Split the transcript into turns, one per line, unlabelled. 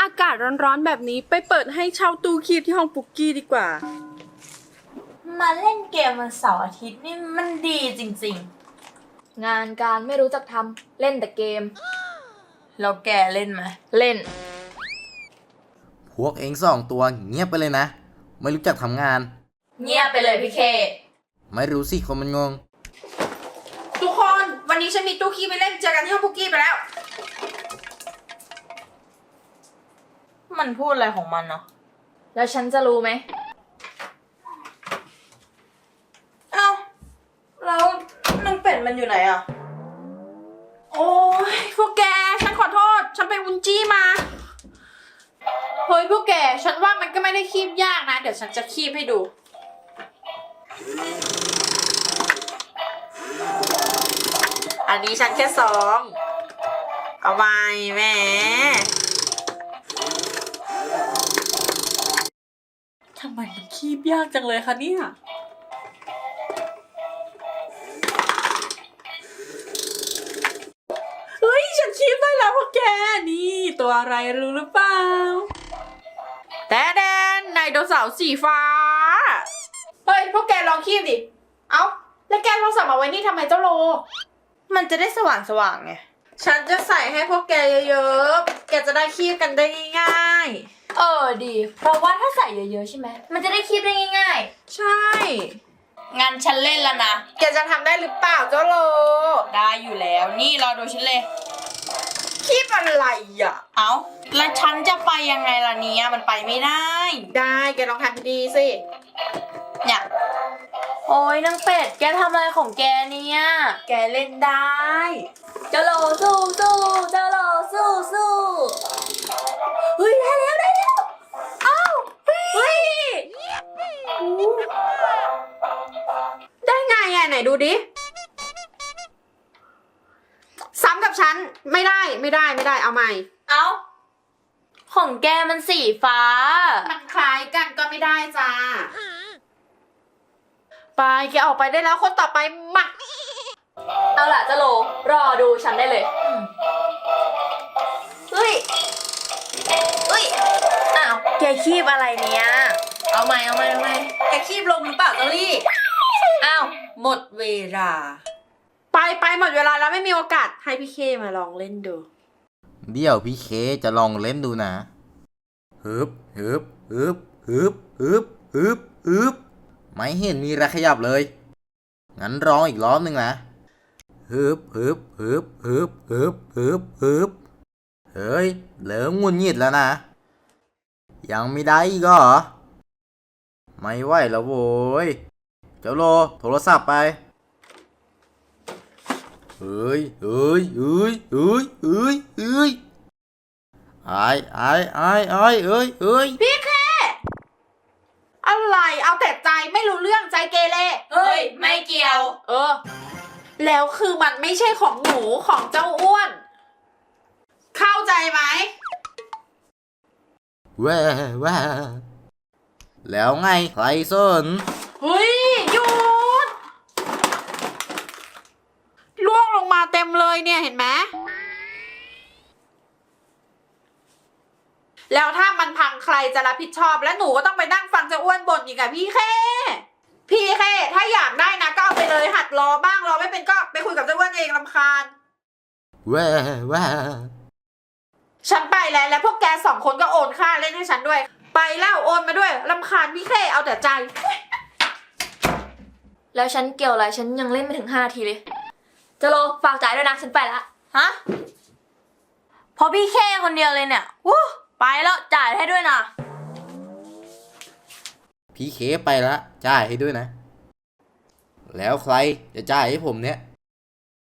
อากาศร้อนๆแบบนี้ไปเปิดให้เช่าตู้คีบที่ห้องปุกกี้ดีกว่า
มาเล่นเกมวันเสาร์อาทิตย์นี่มันดีจริง
งานการไม่รู้จักทำเล่นแต่เกม
ๆแล้วแกเล่นไหม
เล่น
พวกเองสองตัวเงียบไปเลยนะ ไม่รู้จักทำงาน
เงียบไปเลยพี่เค
ไม่รู้สิคนมันงง
ทุกคนวันนี้ฉันมีตู้คีบไปเล่นเจอกันที่ห้องปุกกี้ไปแล้ว
มันพูดอะไรของมันเนาะ
แล้วฉันจะรู้ไหม
เอ้าแล้วนางเป็ดมันอยู่ไหนอ่ะ
โอ้ยพวกแกฉันขอโทษฉันไปวุ้นจี้มาเฮ้ยพวกแกฉันว่ามันก็ไม่ได้คีบยากนะเดี๋ยวฉันจะคีบให้ดู
อันนี้ฉันแค่ซ้อมเอาไปแม่ทำไมมันคีบยากจังเลยคะเนี่ยเฮ้ยฉันคีบได้แล้วพวกแกนี่ตัวอะไรรู้หรือเปล่าแต่แดนไดโนเสาร์สีฟ้า
เฮ้ยพวกแกลองคีบดิเอ้าแล้วแกโทรศัพท์มาไว้นี่ทำไมเจ้าโล
มันจะได้สว่างไง ฉันจะใส่ให้พวกแกเยอะๆ แกจะได้คีบกันได้ง่าย
ดี เพราะว่าถ้าใส่เยอะๆใช่ไหม มันจะได้คีบได้ง่าย
ใช่
ๆ งั้นฉันเล่นแล้วนะ
แกจะทำได้หรือเปล่าเจ้าโล
ได้อยู่แล้ว นี่รอดูฉันเลย
คีบอะไรอ่ะ
เอ้า แล้วฉันจะไปยังไงล่ะเนี่ย มันไปไม่ได้
ได้แกลองทำดีสิ
เนี่ย
ๆ โอ้ยนางเป็ด แกทำอะไรของแกเนี่ย
แกเล่นได้
เจ้าโลสู้สู้เจ้าโลสู้สู้เฮ้ยได้แล้วได้แล้วอ้าวเฮ้ย
ได้ไงอ่ะไหนดูดิ ซ้ำกับฉันไม่ได้เอาใหม่
เอ้า ของแกมันสีฟ้า
มันคล้ายกันก็ไม่ได้จ้า ไปแกออกไปได้แล้วคนต่อไปมา
เอาล่ะเจ้าโลรอดูฉันได้เลยเฮ้ยอ้าว
แกคีบอะไรเนี่ย
เอาใหม่
แกคีบลงหรือเปล่าเจอรี่
อ้าว
หมดเวลา
ไปหมดเวลาแล้วไม่มีโอกาสให้พี่เคมาลองเล่นดู
เดี๋ยวพี่เคจะลองเล่นดูนะฮึบไม่เห็นมีอะไรขยับเลย งั้นลองอีกรอบหนึ่งนะฮึบเฮ้ยเริ่มงุนงิดแล้วนะ ยังไม่ได้อีกเหรอ ไม่ไหวแล้วโว้ย เจ้าโลโทรศัพท์ไป เฮ้ย
พี่เคอะไรเอาแต่ใจไม่รู้เรื่องใจเกเร
เฮ้ย ไม่เกี่ยว
แล้วคือมันไม่ใช่ของหนูของเจ้าอ้วน เข้าใจไหม
แว่แล้วไงใครสน
เฮ้ยหยุดล่วงลงมาเต็มเลยเนี่ยเห็นไหมแล้วถ้ามันพังใครจะรับผิดชอบและหนูก็ต้องไปนั่งฟังเจ้าอ้วนบ่นอีกอะพี่เคถ้าอยากได้นะก็เอาไปเลยหัดรอบ้างรอไม่เป็นก็ไปคุยกับเจ้าอ้วนเองรำคาญ
แว่
ฉันไปแล้วพวกแกสองคนก็โอนค่าเล่นให้ฉันด้วย ไปแล้วโอนมาด้วยรำคาญพี่เคเอาแต่ใจ
แล้วฉันเกี่ยวอะไรฉันยังเล่นไม่ถึง5 นาทีเลยเจ้าโลฝากจ่ายด้วยนะฉันไปละ
ฮะเพราะพี่แค่คนเดียวเลยเนี่ยวู้ไปแล้วจ่ายให้ด้วยนะ
พี่เคไปละจ่ายให้ด้วยนะ แล้วใครจะจ่ายให้ผมเนี่ย